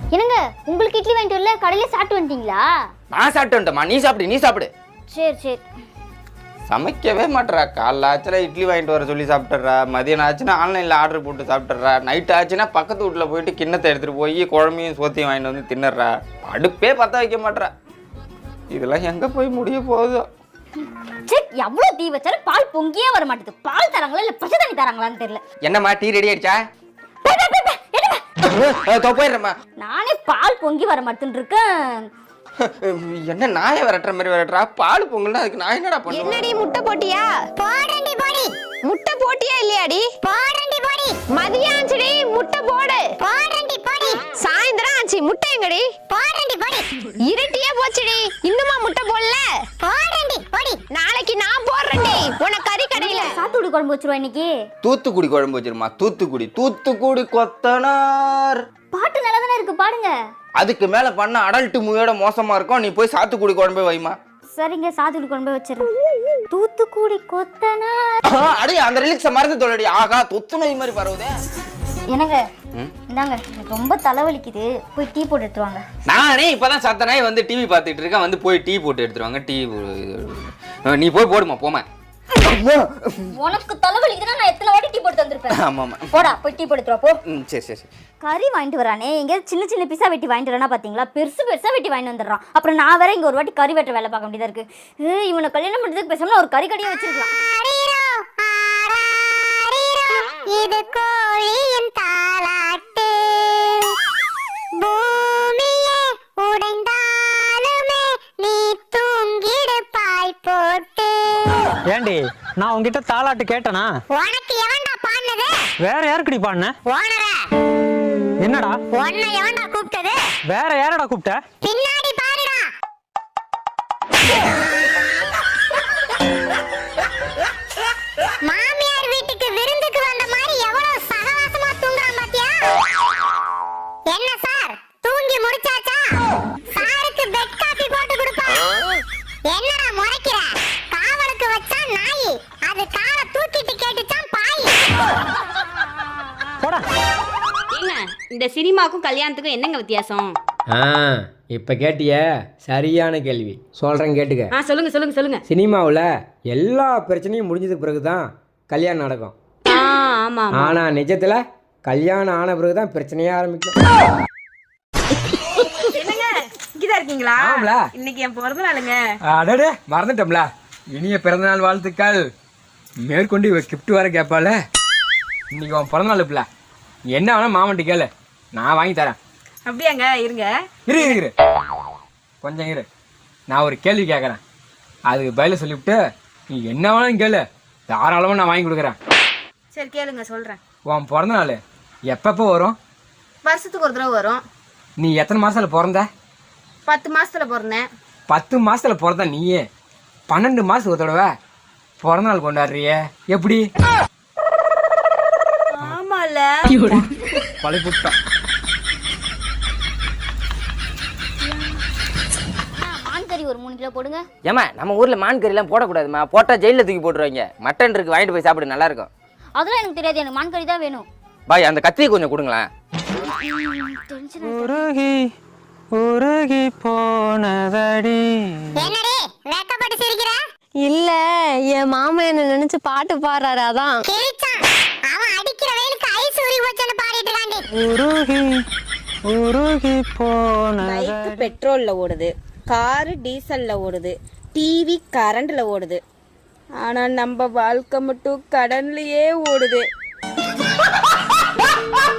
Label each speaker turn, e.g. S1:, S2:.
S1: என்னங்க உங்களுக்கு இட்லி வாங்கிட்டு வரல, கடையில சாப்பிட்டு வந்துட்டீங்களா?
S2: நான் சாப்பிட்டு வந்துட்டேம்மா, நீ சாப்பிடு.
S1: சரி சரி.
S2: சமைக்கவே மாட்டேறா. காலைல ஆச்சுன்னா இட்லி வாங்கிட்டு வர சொல்லி சாப்பிட்டுறா, மதியம் ஆச்சுன்னா ஆன்லைனில் ஆர்டர் போட்டு சாப்பிட்டுறா, நைட்டு ஆச்சுன்னா பக்கத்து வீட்டில் போயிட்டு கிண்ணத்தை எடுத்துகிட்டு போய் குழம்பையும் சோத்தையும் வாங்கிட்டு வந்து தின்னுறா. அடுப்பே பற்ற வைக்க மாட்டேறா. இதெல்லாம் எங்கே போய் முடிய போகுதோ?
S1: எவ்வளவு தீ வச்சாலும் பால் பொங்கியே வர மாட்டேது. பால் தராங்களா இல்ல பச்சை தண்ணி தராங்களான்னு தெரியல.
S2: என்னம்மா டீ ரெடி ஆயிடுச்சா? போயிடுறேம்மா.
S1: நானே பால் பொங்கி வர மாட்டேன்னு இருக்கேன்.
S2: என்ன நாயை விரட்டுற மாதிரி விரட்டுறா? பால் பொங்கல்னா அதுக்கு நான் என்னடா பண்ணுவேன்?
S3: என்னடி முட்டை போட்டியா?
S1: போடுறேன்டி போடி.
S3: முட்டை போட்டியா இல்லையாடி?
S1: போடுறேன்டி போடி.
S3: மதியம் ஆச்சுடி, முட்டை போடு.
S1: போடுறேன்டி போடி.
S3: சாயந்தரம் ஆச்சு, முட்டை எங்கடி?
S1: போடுறேன்டி போடி.
S3: இருட்டியே போச்சுடி, இன்னுமா முட்டை போடல?
S1: போடுறேன்டி போடி.
S3: நாளைக்கு நான் போடுறேன்டி உன கறி கடையில.
S1: சாத்துக்குடி குழம்பு வச்சிருவா இன்னைக்கு.
S2: தூத்துக்குடி குழம்பு வச்சிருமா. தூத்துக்குடி கொத்தனார்.
S1: பாட்டு நல்லா தானே இருக்கு, பாடுங்க.
S2: அதுக்கு மேல பண்ண அடல்ட் மூவியோட மோசமா இருக்கும். நீ போய் சாத்துக்குடி குழம்பே வைமா.
S1: சரிங்க, சாத்துக்குடி குழம்பே வச்சிருக்கேன். தூத்துக்குடி கொத்தனார்.
S2: அடி அந்த ரிலிக்ஸ மறந்து தொலைடி. ஆகா தொத்து நோய் மாதிரி பரவுதே.
S1: என்னங்க இந்தாங்க, எனக்கு ரொம்ப தலைவலிக்குது, போய் டீ போட்டு எடுத்துருவாங்க.
S2: நானே இப்பதான் சத்தனாய் வந்து டிவி பார்த்துட்டு இருக்கேன், வந்து போய் டீ போட்டு எடுத்துருவாங்க. டீ நீ போய் போடுமா போமா.
S1: உனக்கு தலைவலிக்குதுன்னா நான் எத்தனை வாட்டி டீ போட்டு வந்திருப்பேன்.
S2: ஆமாமா,
S1: போடா போய் டீ போட்டு எடுத்துருவா போ.
S2: சரி.
S1: கறி வாங்கிட்டு வரானே, எங்கேயாவது சின்ன சின்ன பீஸா வெட்டி வாங்கிட்டு வரானா பாத்தீங்களா? பெருசா வெட்டி வாங்கிட்டு வந்துடுறான். அப்புறம் நான் வேற இங்க ஒரு வாட்டி கறி வெட்ட வேலை பார்க்க வேண்டியதா இருக்கு. இவனை கல்யாணம் பண்றதுக்கு பேசாம ஒரு கறி கடையே வச்சிருக்கலாம். இது கோழியின் தாலாட்டு, பூமியே உடைந்தாலுமே நீ தூங்கிடு பாய் போட்டு.
S4: ஏண்டி நான் உன்கிட்ட தாலாட்டு கேட்டனா?
S1: உனக்கு எவன்டா பாடுனது?
S4: வேற யாருக்குடி பாடுன?
S1: ஓனரே.
S4: என்னடா
S1: உன்னை எவன்டா கூப்பிட்டது?
S4: வேற யாரடா கூப்பிட்ட?
S1: பின்னாடி பாருடா. மாமியார் வீட்டுக்கு விருந்துக்கு வந்த மாதிரி எவ்வளவு சகவாசமா தூங்குறான் பாத்தியா? என்ன சார் தூங்கி முடிச்சாச்சா? சாருக்கு பெட் காபி போட்டு கொடுப்பா. என்னடா முறைக்கிற? காவலுக்கு வச்சா நாய், அது காலை தூக்கிட்டு கேட்டுச்சான் பாய்.
S4: போடா.
S5: ஏங்க இந்த சினிமாக்கும் கல்யாணத்துக்கும் என்னங்க வித்தியாசம்?
S6: இப்போ கேட்டிய சரியான கேள்வி. சொல்கிறேன் கேட்டுக்க.
S5: சொல்லுங்க.
S6: சினிமாவில் எல்லா பிரச்சனையும் முடிஞ்சதுக்கு பிறகு தான் கல்யாணம் நடக்கும்.
S5: ஆமா.
S6: ஆனால் நிஜத்தில் கல்யாணம் ஆன பிறகு தான் பிரச்சனையே ஆரம்பிக்கும்.
S5: என்னங்க இங்கதான் இருக்கீங்களா?
S6: ஆமாம்ல.
S5: இன்னைக்கு என் பிறந்த நாளுங்க.
S6: அடடே மறந்துட்டோம்ல. இனிய பிறந்தநாள் வாழ்த்துக்கள். மேற்கொண்டு இவ கிஃப்ட் வர கேட்பால. இன்னைக்கு உன் பிறந்தநாள் இப்பல என்ன வேணா மாமன்ட்டு கேளு, நான் வாங்கி தரேன்.
S5: அப்படியாங்க? இருங்க
S6: இரு கொஞ்சம் இரு. நான் ஒரு கேள்வி கேட்குறேன், அதுக்கு பதில சொல்லிவிட்டு நீ என்ன வேணாலும் கேளு, தாராளமாக நான் வாங்கி கொடுக்குறேன்.
S5: சரி கேளுங்க, சொல்றேன்.
S6: உன் பிறந்த நாள் எப்பப்போ வரும்?
S5: வருஷத்துக்கு ஒரு தடவை வரும்.
S6: நீ எத்தனை மாதத்தில் பிறந்த?
S5: 10 மாசத்துல பிறந்தேன்.
S6: 10 மாதத்தில் பிறந்த நீயே 12 மாதத்துக்கு ஒரு தடவை பிறந்த நாள் கொண்டாடுறிய எப்படி?
S5: ஆமால
S6: பழைப்புட்டான்.
S1: மான்கறி ஒரு 3 கிலோ போடுங்க.
S2: ஏமா நம்ம ஊர்ல மான் கறிலாம் போடக்கூடாதுமா, போட்டா ஜெயில தூக்கி போட்டுருவாங்க. மட்டன் இருக்கு, வாங்கிட்டு போய் சாப்பிடு, நல்லா இருக்கும்.
S1: அதெல்லாம் எனக்கு தெரியாது, எனக்கு மான்கறி தான் வேணும்.
S2: பாய் அந்த கத்தியை கொஞ்சம் கொடுங்களேன்.
S4: உருகி போனதடி.
S1: என்னடி வெக்கப்பட்டு சிரிக்கிற?
S3: இல்ல, என் மாமா என்ன நினைச்சு பாட்டு பாடுறாரு, அதான்.
S1: கிழிச்சான். அவன் அடிக்கிற வெயிலுக்கு ஐஸ் ஊறி போச்சுன்னு பாடிட்டு இருக்காண்டி.
S4: உருகி போனதடி.
S5: பைக் பெட்ரோல்ல ஓடுது, காரு டீசல்ல ஓடுது, டிவி கரண்ட்ல ஓடுது. ஆனா நம்ம வாழ்க்கை மட்டும் கடன்லயே ஓடுது.